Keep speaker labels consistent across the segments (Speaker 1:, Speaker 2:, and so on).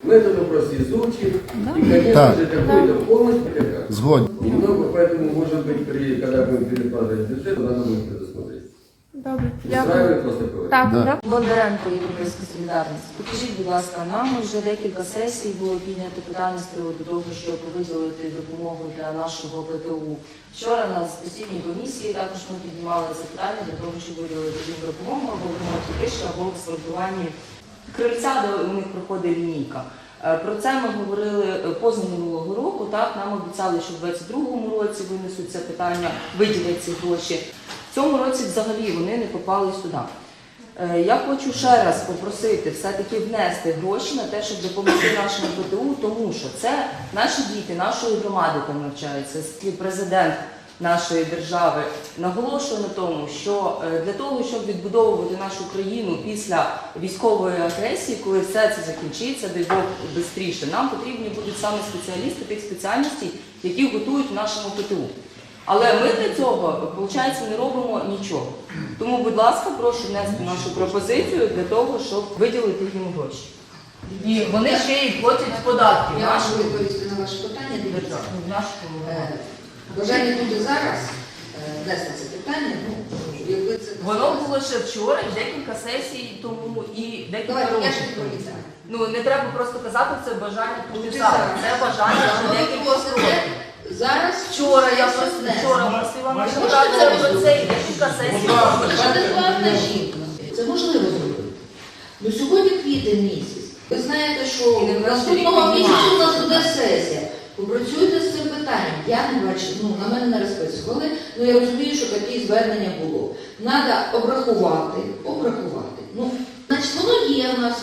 Speaker 1: Мы этот вопрос изучим, и, конечно же, какую-то помощь пока.
Speaker 2: Згоден.
Speaker 1: Немного, поэтому, может быть, когда будем перекладывать бюджет, надо будет предусмотреть.
Speaker 3: Добре,
Speaker 1: Устраивает
Speaker 3: дякую.
Speaker 1: вас такое?
Speaker 3: Так,
Speaker 2: Да.
Speaker 3: так.
Speaker 4: Бондаренко, Європейська солідарність. Покажіть, будь ласка, нам вже декілька сесій було піднято питання з приводу того, щоб виділити допомогу для нашого ПТУ. Вчора на постійній комісії також ми піднімали це питання для того, щоб виділити їм допомогу або в ремонті криші, або в асфальтуванні крильця, де у них проходить лінійка. Про це ми говорили позаминулого року. Так, нам обіцяли, що в 2022 році винесуть це питання, виділять ці гроші. В цьому році взагалі вони не попали сюди. Я хочу ще раз попросити все-таки внести гроші на те, щоб допомогти нашому ПТУ, тому що це наші діти, нашої громади там навчаються, президент нашої держави наголошує на тому, що для того, щоб відбудовувати нашу країну після військової агресії, коли все це закінчиться, дай Бог, швидше, нам потрібні будуть саме спеціалісти тих спеціальностей, які готують в нашому ПТУ. Але ми для цього, виходить, не робимо нічого. Тому, будь ласка, прошу внести нашу пропозицію для того, щоб виділити їм гроші. І вони ще й платять податки.
Speaker 5: Я можу відповісти на ваше питання. Дивіться, бажання тут і зараз внести це питання, якби це...
Speaker 4: Воно було ще вчора, і декілька сесій тому, і декілька
Speaker 5: Давайте, я ж
Speaker 4: років.
Speaker 5: відповідаю.
Speaker 4: Ну, не треба просто казати, це бажання тут і
Speaker 5: Тут і
Speaker 4: зараз.
Speaker 5: зараз.
Speaker 4: Це бажання вже
Speaker 5: Ви
Speaker 4: декілька
Speaker 5: просите
Speaker 4: років.
Speaker 5: зараз...
Speaker 4: Вчора я
Speaker 5: це
Speaker 4: просила
Speaker 5: внести.
Speaker 4: наша про це і декілька сесій.
Speaker 5: Адекватна жінка. Це можливо зробити. Ну сьогодні квітень місяць. Ви знаєте, що наступного місяця у нас буде сесія. Попрацюйте з цим питанням. Я не бачу, на мене не розписували, я розумію, що такі звернення було. Треба обрахувати. Значить, воно є в нас,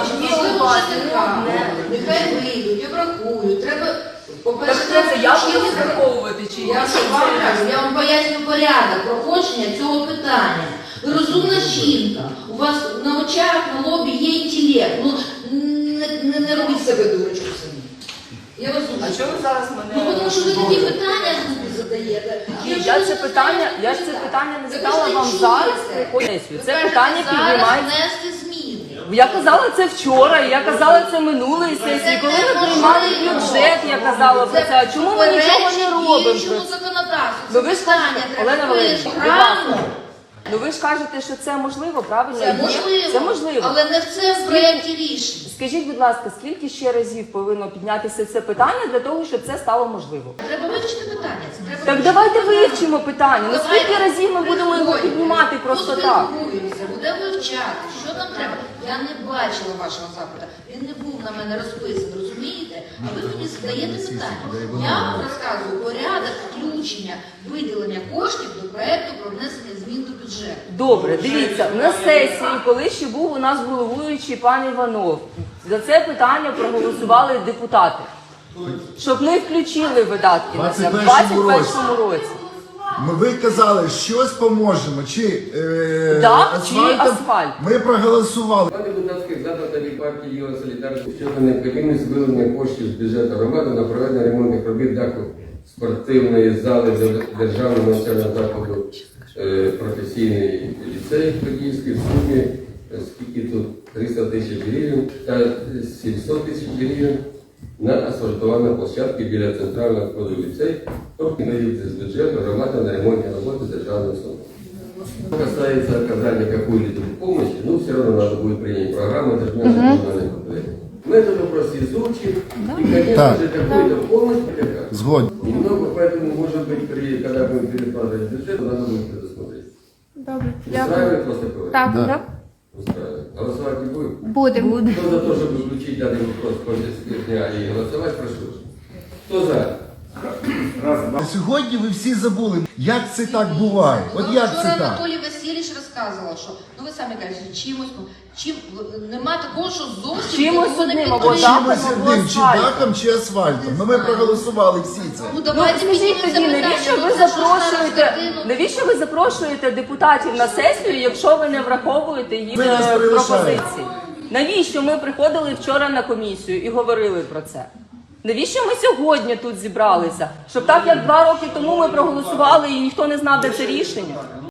Speaker 5: нехай вийдуть, обрахують. Треба, по-перше,
Speaker 4: Як їх враховувати? Чи
Speaker 5: я вам поясню порядок проходження цього питання. Ви розумна жінка, у вас на очах, на лобі є інтелект. Не робіть себе дурочку самі. Я вас дуже.
Speaker 4: А чому ви зараз мене...
Speaker 5: Тому що ви такі питання задаєте.
Speaker 4: Я ж це питання не задала вам зараз. Це питання піднімається.
Speaker 5: внести зміни.
Speaker 4: Я казала це вчора, я казала це минулої сесії. Коли ви приймали бюджет, я казала про це. А чому ми нічого не робимо? Ну ви ж кажете, Олена Валерійовна, будь ласка. Ну ви ж кажете, що це можливо, правильно?
Speaker 5: Це можливо, але не в це в проєкті рішення.
Speaker 4: Скажіть, будь ласка, скільки ще разів повинно піднятися це питання для того, щоб це стало можливо?
Speaker 5: Треба вивчити питання.
Speaker 4: Так давайте вивчимо питання. Ну скільки разів ми будемо його піднімати просто так?
Speaker 5: Буде вивчати, що нам треба. Я не бачила вашого запиту. Він не був на мене розписаний, розумієте? А ви мені задаєте питання. Я вам розказую порядок включення, виділення коштів до проєкту про внесення змін до бюджету.
Speaker 4: Добре, дивіться, на сесії, коли ще був у нас головуючий пан Іванов, за це питання проголосували депутати, щоб ми включили видатки на це в 2021 році.
Speaker 2: Ви казали, щось поможемо, чи
Speaker 4: асфальт.
Speaker 2: Ми проголосували.
Speaker 1: План депутатських запитів партії «Єва Солідарність» щодо необхідності вилучення коштів з бюджету громади на проведення ремонтних робіт даху спортивної зали Державного навчального закладу професійний ліцей Подільський в сумі, скільки тут 300 тисяч гривень та 700 тисяч гривень на асфальтованій площадці біля центрального входу в ліцей, тобто наїдеться з бюджету громади на ремонтні роботи державного установи. Что касается оказания какой-либо помощи, все равно надо будет принять программу, это же национальное проблема. Мы этот вопрос изучим, и, конечно же, какую-то помощь пока.
Speaker 2: Згоден.
Speaker 1: Немного, поэтому, может быть, когда будем перекладывать бюджет, надо будет предусмотреть.
Speaker 3: Добре, дякую.
Speaker 1: Устраивает вас такое?
Speaker 3: Так,
Speaker 2: Да.
Speaker 3: так.
Speaker 1: Устраивает. Голосовать не будем?
Speaker 3: Будемо.
Speaker 1: Кто за то, чтобы включить данный вопрос в повестке дня и голосовать, прошу. Кто за?
Speaker 2: Сьогодні ви всі забули, як це так буває. От як це
Speaker 5: Вчора
Speaker 2: так?
Speaker 5: Анатолій Васильович розказував, що, ви самі кажете, нема такого, що зовсім
Speaker 4: Чимось
Speaker 5: нікого не
Speaker 4: одним, або
Speaker 5: підтримує.
Speaker 4: дахом,
Speaker 2: Чимось
Speaker 4: або
Speaker 2: одним, чи
Speaker 4: асфальтом.
Speaker 2: дахом, чи асфальтом. Ми проголосували всі це.
Speaker 5: Давайте
Speaker 4: Скажіть
Speaker 5: піднімемо
Speaker 4: тоді,
Speaker 5: це питання.
Speaker 4: навіщо ви запрошуєте депутатів на сесію, якщо ви не враховуєте їх
Speaker 2: Ви нас прилишаєте.
Speaker 4: пропозиції? Навіщо ми приходили вчора на комісію і говорили про це? Навіщо ми сьогодні тут зібралися? Щоб так, як 2 роки тому ми проголосували і ніхто не знав, де це рішення?